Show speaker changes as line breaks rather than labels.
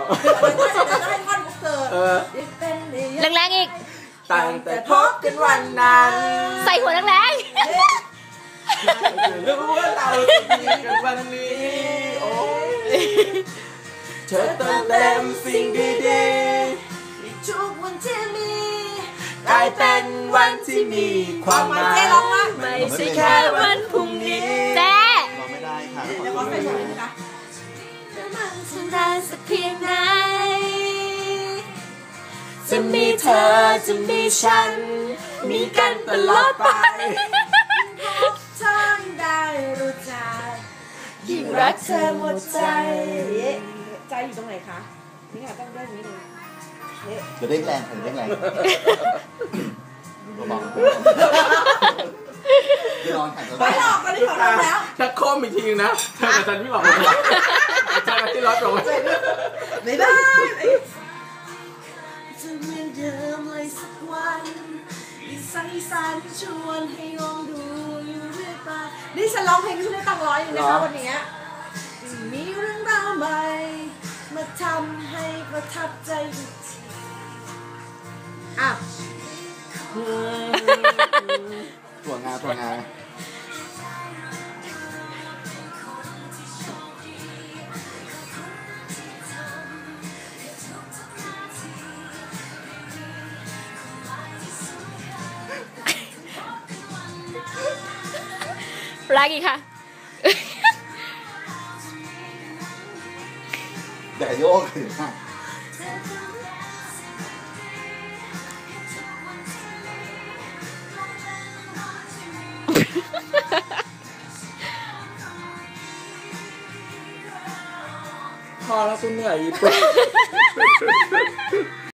ให้ท่อนเสิร์ฟ
แรงๆอีก
ตั้งแต่พบกันวันนั้น
ใส่หัวแรง
ๆรู้ว่าเราจะดีกันวันนี้โอ้เธอเติมเต็มสิ่งดีๆทุกวันที่มีกลายเป็นวันที่มีความหมาย
ไม่ใช่แค่วันพรุ่งนี้เจ๊
ร้องไม่ได้ค่ะ
เดี๋ยวขอใส่ลงนะคะ
จะมันจะนานสักเพียงไหนจะมีเธอจะมีฉันมีกันตลอดไป
ทางได้รู้ใจยิ่งรักเธอหมดใจใจอยู่ตรงไหนคะนี่ค่ะต้องเด้งนี้เลย
เดี๋ยวเด้งแรงเด้งแรงบอกพี่นอนขัน
ไม่หรอกตอนนี้ขอร้องแล้ว
ถ้าโค้มอีกทีนึงนะเธอกับฉันพี่บอกเลยเธอกับที่รถลง
ไม่ได้จะเหมือนเดิมเลยสักวันใส่สารชวนให้ลองดูอยู่เรื่อยไปนี่ฉันร้องเพลงที่ได้ตังร้อยอยู่นะคะวันนี้มีเรื่องราวใหม่มาทำให้ประทับใจอีกที
ถั่วงา
แรงอีกค่ะ
แต่โยกถึง
พอแล้วคุณเหนื่อย